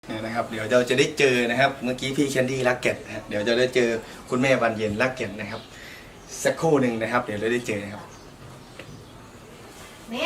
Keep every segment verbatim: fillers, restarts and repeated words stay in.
เนี่ยนะครับเดี๋ยวเราจะได้เจอนะครับเมื่อกี้พี่แคนดี้รักเก็ตนะเดี๋ยวจะได้เจอคุณแม่บานเย็นรักเก็ตนะครับสักครู่หนึ่งนะครับเดี๋ยวเราได้เจอนะครับแม่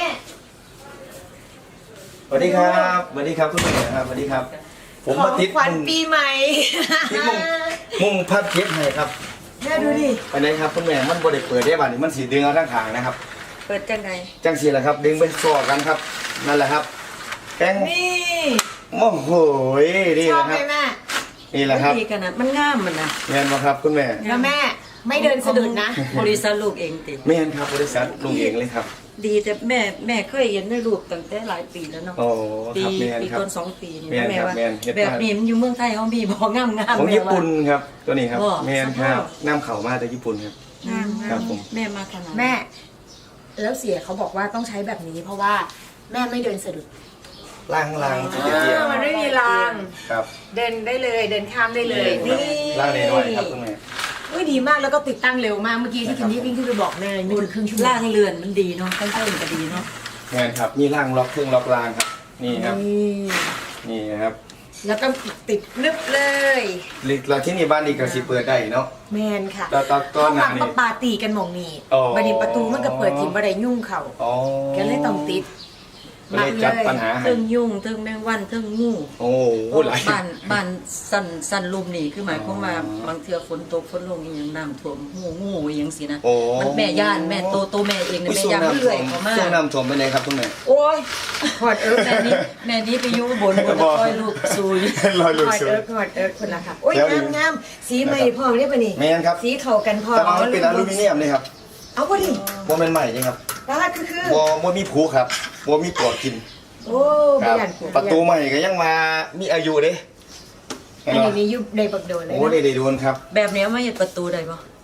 สวัสดีครับสวัสดีครับคุณแม่ครับสวัสดีครับผมมาติดขวัญปีใหม่ที่มุ่งมุ่งพัดเก็บให้ครับแม่ดูดิอันนี้ครับคุณแม่มันบริเปิดได้บ้านนี้มันสีดึงเอาทั้งขางนะครับเปิดจังไงจังสีแหละครับดึงไปซ้อกันครับนั่นแหละครับแกงนี่โอ้โหนี่ชอแหบละไหครับมแม่นี่แหละครับดีกันนะมันงามมันนะเงินมาครับคุณแม่แล้วแม่ไม่เดินสะดุดนะบริษัทลูกเองติไม่เห็นครับบริษัทลุงเองเลยครับดีแต่แม่แม่เคยเห็นในรูปตั้งแต่หลายปีแล้วเนาะโอ้ปีครับแมนปีครับต้นสองปีนี่แม่นแม่ครับว่าแม่นเฮ็ดแบบมานี้มันอยู่เมืองไทยเขามีบอกงามงามของญี่ปุ่นครับตัวนี้ครับบ่แมนครับน้ำเข่ามาจากญี่ปุ่นครับงามครับผมแม่มาขนาดแม่ แล้วเสียเขาบอกว่าต้องใช้แบบนี้ เพราะว่าแม่ไม่เดินสะดุดล่างล่างจะเตี้ยมันไม่มีรางครับเดินได้เลยเดินข้ามได้เลยนี่ล่างน้อยๆครับคุณแม่อุ้ยดีมากแล้วก็ติดตั้งเร็วมากเมื่อกี้ที่คิมมี่วิ่งขึ้นไปบอกแม่ไม่ถึงครึ่งชั่วโมงล่างเรือนมันดีเนาะตั้งแต่มันก็ดีเนาะแมนครับนี่ล่างล็อกเครื่องล็อกล่างครับ นี่ครับนี่นี่ครับแล้วก็ติดนึบเลยเราที่นี่บ้านนี้ก็สิเปิดได้เนาะแมนค่ะแล้วตอนตอนหน้านี่เขาปาตีกันหมองนี่อ๋อบัดนี้ประตูมันก็เปิดทิมบัไดยุ่งเขาอ๋อก็เลยต้องติดก็เลยจัดปัญหาให้เทิงยุ่งเทิงแมงวันเทิงงูโอ้โหหลายบ้านบ้านสันสันลุมนี่คือหมายความว่าอ๋อบางเทื่อฝนตกฝนลงอีหยังน้ำท่วมงูงูอหยังสินะโอ้มันแม่ย่านแม่โตโตแม่เองเนี่ยแม่ย่านมันเลื่อยเข้ามาช่วงน้ำท่วมไปไหนครับคุณแม่โอ้ยขอดเอิร์กแม่นี้แม่นี้ไปอยู่บนบนบ่คอยลูกซุยลอยขลุยอดสุดเอิร์กขอดเอิร์กคนละค่ะโอ้ยแล้วงามงามสีใหม่พอได้ปะนี่แม่นครับสีเข้ากันพอแต่ว่ามันเป็นอลูมิเนียมเลยครับเอาพอดิโมเป็นใหม่เลยครับตาคือคือโมโมมีผูครับโมมีปลวกกินโอ้คไม่รับยันกูประตูใหม่ก็ยังมามีอายุเด้อันนี้มียุบในบักโดนเลยโอ้ได้นะได้โดนครับแบบนี้ไม่เห็นประตูได้ปะ